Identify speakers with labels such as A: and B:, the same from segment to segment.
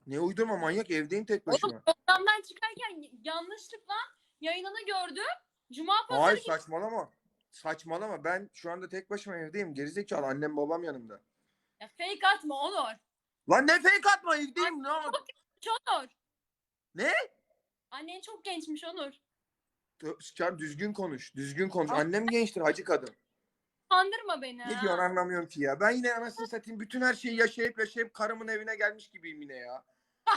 A: Ne uydurma manyak, evdeyim tek
B: Oğlum
A: başıma.
B: programdan çıkarken yanlışlıkla yayınını gördüm. Cuma
A: Hayır
B: pazarı
A: saçmalama. Saçmalama, ben şu anda tek başıma evdeyim. Gerizekalı, annem babam yanımda.
B: ya fake atma Onur.
A: Lan ne fake atma, evdeyim
B: Annen
A: lan.
B: çok gençmiş Onur.
A: Ne?
B: Annen çok gençmiş Onur.
A: Sen düzgün konuş. Düzgün konuş.
B: Ah,
A: Annem gençtir, hacı kadın.
B: kandırma beni
A: Ne diyorsun
B: ha.
A: anlamıyorum ki ya. Ben yine anasını satayım, bütün her şeyi yaşayıp karımın evine gelmiş gibiyim yine ya.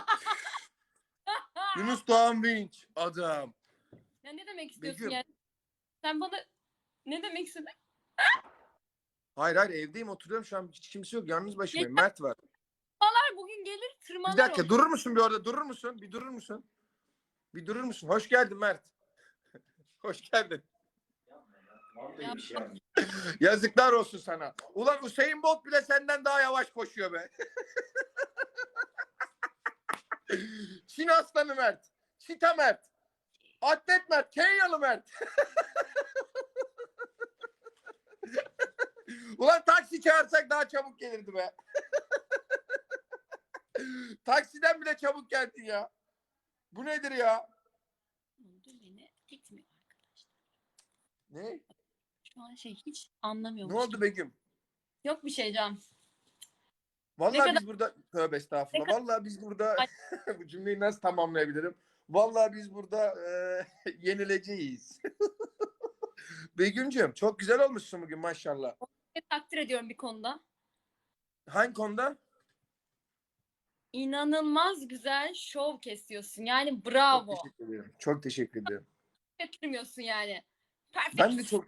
A: Yunus Doğan Vinç adam.
B: Ya ne demek istiyorsun
A: Begüm.
B: yani? Sen bana ne demek istedin?
A: Hayır evdeyim, oturuyorum şu an, hiç kimse yok, yalnız başımayım.
B: Geçenler
A: Mert var.
B: bugün gelir
A: Bir
B: tırmalar
A: dakika
B: onu.
A: durur musun bir orada, durur musun? Bir durur musun? Bir durur musun? Hoş geldin Mert. Hoş geldin.
B: Ya,
A: Yazıklar olsun sana. Ulan Usain Bolt bile senden daha yavaş koşuyor be. Çin aslanı Mert. Çita Mert. Atlet Mert. Kenyalı Mert. Ulan taksi çağırsak daha çabuk gelirdi be. Taksiden bile çabuk geldin ya. Bu nedir ya?
B: beni gitmiyor arkadaşlar.
A: Ne?
B: Şu an hiç
A: Ne
B: anlamıyormuş
A: oldu
B: gibi.
A: Begüm?
B: Yok bir şey Can.
A: Vallahi
B: kadar-
A: biz burada, tövbe
B: Ne
A: estağfurullah.
B: kadar
A: Vallahi biz burada
B: Ay,
A: bu cümleyi nasıl tamamlayabilirim? Vallahi biz burada yenileceğiz. Begüm'cüğüm çok güzel olmuşsun bugün maşallah.
B: takdir ediyorum bir konuda.
A: Hangi konuda?
B: İnanılmaz güzel şov kesiyorsun. Yani
A: Çok
B: bravo.
A: teşekkür ederim. Çok teşekkür ederim.
B: Getirmiyorsun yani.
A: Ben de
B: Perfect.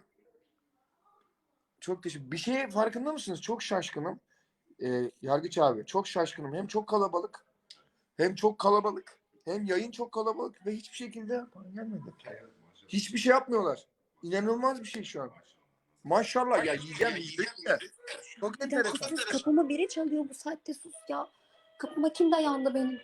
A: çok teşekkür. Bir şey farkında mısınız? Çok şaşkınım. Yargıç abi çok şaşkınım. Hem çok kalabalık, hem çok kalabalık, hem yayın çok kalabalık ve hiçbir şekilde bana gelmedi. Hiçbir şey yapmıyorlar. İnanılmaz bir şey şu an. Maşallah ya, yiyeceğim de. Çok
C: Bir dakika
A: enteresan.
C: sus, kapıma biri çalıyor bu saatte, sus ya. Kapıma kim dayandı benim?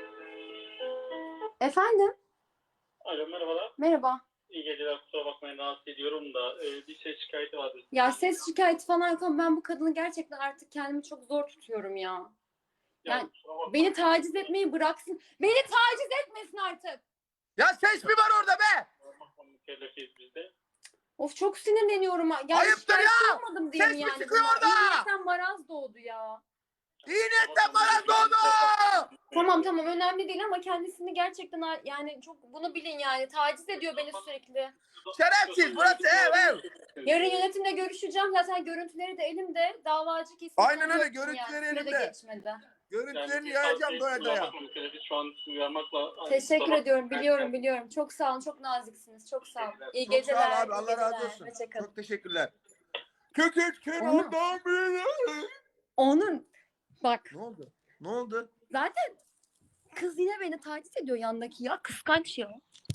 C: Efendim?
D: Alo merhabalar.
C: Merhaba.
D: İyi geceler, kusura bakmayın rahatsız ediyorum da bir şey şikayeti vardı.
C: Ya ses şikayeti falan yok ama ben bu kadını gerçekten artık kendimi çok zor tutuyorum ya. Yani
D: kusura bakmayın.
C: beni taciz etmeyi bıraksın. Beni taciz etmesin artık.
A: Ya ses mi var orada be?
D: Mükellefiyiz biz de.
C: Of çok sinirleniyorum. Yani
A: Ayıptır
C: şikayetçi
A: ya!
C: olmadım diye
A: Ses
C: mi
A: mi
C: yani?
A: çıkıyor
C: bunlar?
A: orada?
C: İyi niyetten maraz doğdu ya.
A: İyi niyetten bana doğdu!
C: Tamam önemli değil ama kendisini gerçekten yani çok bunu bilin yani. Taciz ediyor beni sürekli.
A: Şerefsiz, burası ev.
C: Yarın yönetimle görüşeceğim. Zaten görüntüleri de elimde. Davacı kesin.
A: Aynen öyle,
C: sonuç yok
A: görüntüleri
C: yani. Süre de
A: elimde.
C: geçmedi.
A: Görüntülerini yayacağım doya doya.
D: Şu an uyarmakla...
C: Teşekkür ediyorum. Biliyorum. Çok sağ olun. Çok naziksiniz. Çok sağ olun. İyi
A: Çok
C: geceler.
A: sağ ol abi,
C: iyi
A: Allah razı
C: geceler.
A: olsun.
C: Hoşçakalın.
A: Çok teşekkürler. Köküçkün
C: Onu-
A: ondan biri.
C: Onun bak
A: Ne oldu? Ne oldu?
C: zaten kız yine beni taciz ediyor yandaki ya. Kıskanç ya.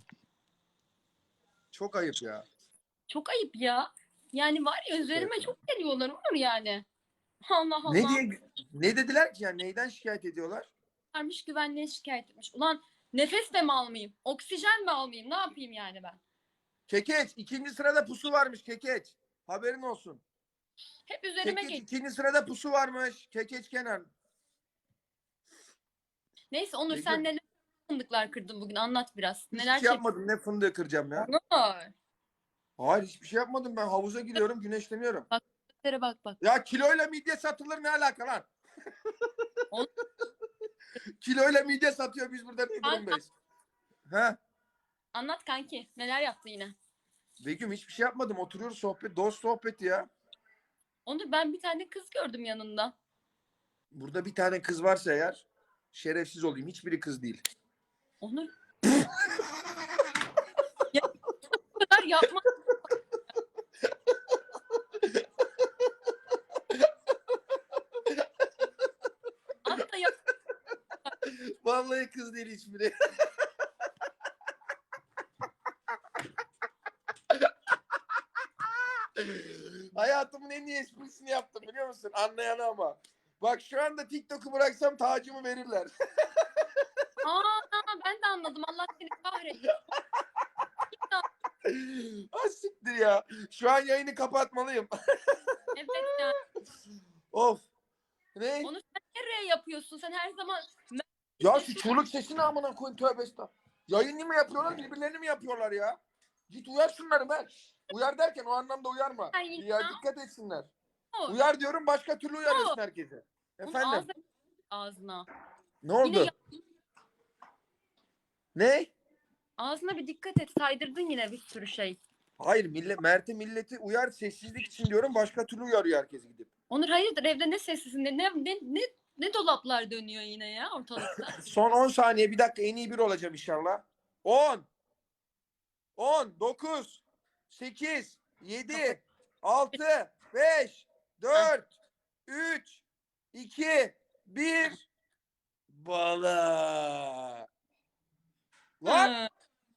A: Çok ayıp ya.
B: Çok ayıp ya. Yani var ya üzerime çok geliyorlar Onur yani. Allah Allah.
A: Ne dediler ki yani, neyden şikayet ediyorlar?
B: Varmış güvenliğe şikayet etmiş. Ulan nefes de mi almayayım? Oksijen mi almayayım? Ne yapayım yani ben?
A: Kekeç, ikinci sırada pusu varmış Kekeç. Haberin olsun.
B: Hep üzerime
A: Kekeç
B: geliyor.
A: ikinci sırada pusu varmış. Kekeç Kenan.
B: Neyse Onur
A: Begüm.
B: sen neler fındıklar kırdın bugün anlat biraz.
A: Hiçbir
B: Neler
A: şey yapmadım. Ne fındığı kıracağım ya?
B: Onur.
A: Hayır, hiçbir şey yapmadım. Ben havuza giriyorum, güneşleniyorum.
B: Bak.
A: Ya kiloyla midye satılır, ne alaka lan?
B: Oğlum.
A: Kiloyla midye satıyor, biz burada ne durumdayız? He?
B: Anlat kanki. Neler yaptın yine?
A: Begüm hiçbir şey yapmadım. Oturuyoruz sohbet, dost sohbeti ya.
B: Onur ben bir tane kız gördüm yanında.
A: Burada bir tane kız varsa eğer, şerefsiz olayım. Hiçbiri kız değil.
B: Onur. Ya, bu kadar yapma. Hatta yap.
A: Vallahi kız değil hiçbiri. Hayatımın en iyi esprisini yaptım, biliyor musun? Anlayan ama. Bak şu anda TikTok'u bıraksam tacımı verirler.
B: Ben de anladım. Allah seni kahretsin.
A: Ah siktir ya. Şu an yayını kapatmalıyım.
B: Evet yani.
A: Of. Ne?
B: Onu sen nereye yapıyorsun? Sen her zaman
A: Ya şu çığlık sesini amına koyun, tövbe estağfurullah. Yayını mı yapıyorlar, birbirlerini mi yapıyorlar ya? Git uyar şunları ben. Uyar derken o anlamda uyarma. Ya dikkat etsinler. Uyar diyorum, başka türlü uyarıyorsun herkese.
B: Bunun
A: Efendim?
B: ağzına.
A: Ne
B: Yine
A: oldu? Ne?
B: ağzına bir dikkat et. Saydırdın yine bir sürü şey.
A: Hayır, milleti uyar, sessizlik için diyorum, başka türlü uyarıyor herkes gidip.
B: Onur hayırdır, evde ne sessizinde ne dolaplar dönüyor yine ya ortalıkta.
A: Son 10 saniye, bir dakika, en iyi bir olacağım inşallah. 10 9 8 7 6 5 4 3 2 1 Bala. Lan
B: Ha.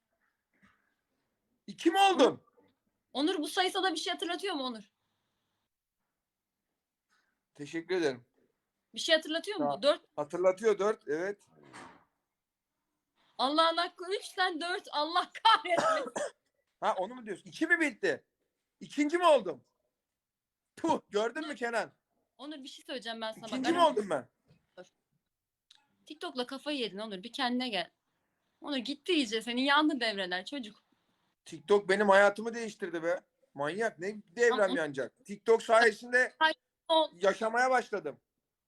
A: 2 mi oldum?
B: Onur bu sayı sana bir şey hatırlatıyor mu Onur?
A: Teşekkür ederim.
B: Bir şey hatırlatıyor mu?
A: Tamam.
B: 4.
A: Hatırlatıyor 4, evet.
B: Allah'ın hakkı 3 sen 4. Allah kahretmesin.
A: Ha, onu mu diyorsun? 2 mi bitti? İkinci mi oldum? Puh, gördün mü Kenan?
B: Onur bir şey söyleyeceğim ben sana.
A: İkinci
B: Bak,
A: mi oldum ben?
B: TikTok'la kafayı yedin Onur. Bir kendine gel. Onur gitti iyice. Senin yandı devreler çocuk.
A: TikTok benim hayatımı değiştirdi be. Manyak, ne devrem
B: Ama-
A: yanacak? TikTok sayesinde
B: O
A: yaşamaya başladım.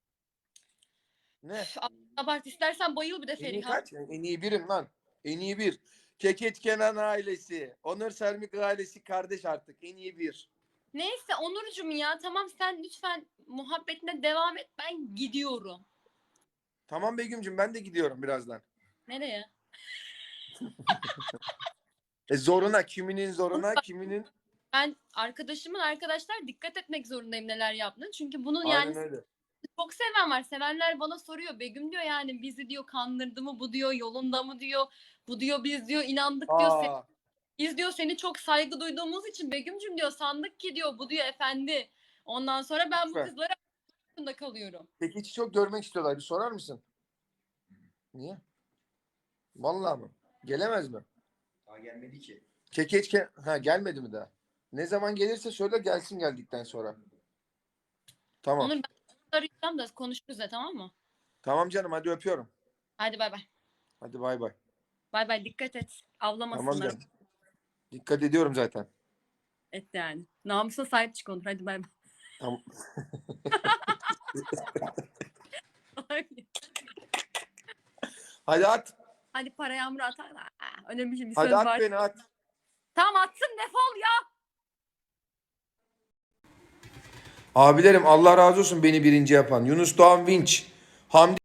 A: Ne?
B: abart istersen bayıl bir de
A: En iyi
B: Feriha.
A: kaç? En iyi birim lan. En iyi bir. Keket Kenan ailesi. Onur Sermik ailesi kardeş artık. En iyi bir.
B: Neyse Onurcuğum ya tamam sen lütfen muhabbetine devam et. Ben gidiyorum.
A: Tamam Begüm'cüm, ben de gidiyorum birazdan.
B: Nereye?
A: Zoruna. Kiminin zoruna, kiminin...
B: Ben arkadaşlar dikkat etmek zorundayım neler yaptığını. Çünkü bunun
A: Aynen
B: yani
A: öyle.
B: çok seven var. Sevenler bana soruyor. Begüm diyor yani bizi diyor kandırdı mı bu diyor yolunda mı diyor. Bu diyor biz diyor inandık diyor.
A: Aa,
B: Biz diyor seni çok saygı duyduğumuz için Begüm'cüm diyor sandık ki diyor bu diyor efendi. Ondan sonra ben bu
A: Lütfen.
B: kızlara arasında kalıyorum.
A: Kekeç'i çok görmek istiyorlar. Bir sorar mısın? Niye? Vallahi mı? Gelemez mi?
E: Daha gelmedi ki.
A: Ha, gelmedi mi daha? Ne zaman gelirse söyle, gelsin geldikten sonra. Tamam.
B: Onur ben arayacağım da konuşuruz da tamam mı?
A: Tamam canım, hadi öpüyorum.
B: Hadi bay bay.
A: Hadi bay bay.
B: Bay bay dikkat et.
A: Tamam
B: Avlamasınlar.
A: canım. Dikkat ediyorum zaten.
B: Et yani. Namusuna sahip çık Onur. Hadi bay
A: Tamam.
B: bay.
A: Hadi at.
B: Hadi para yağmuru atar. Önemli bir
A: Hadi
B: söz
A: at
B: var.
A: beni, at.
B: Tamam atsın defol ya.
A: Abilerim, Allah razı olsun beni birinci yapan. Yunus Doğan Vinç. Hamdi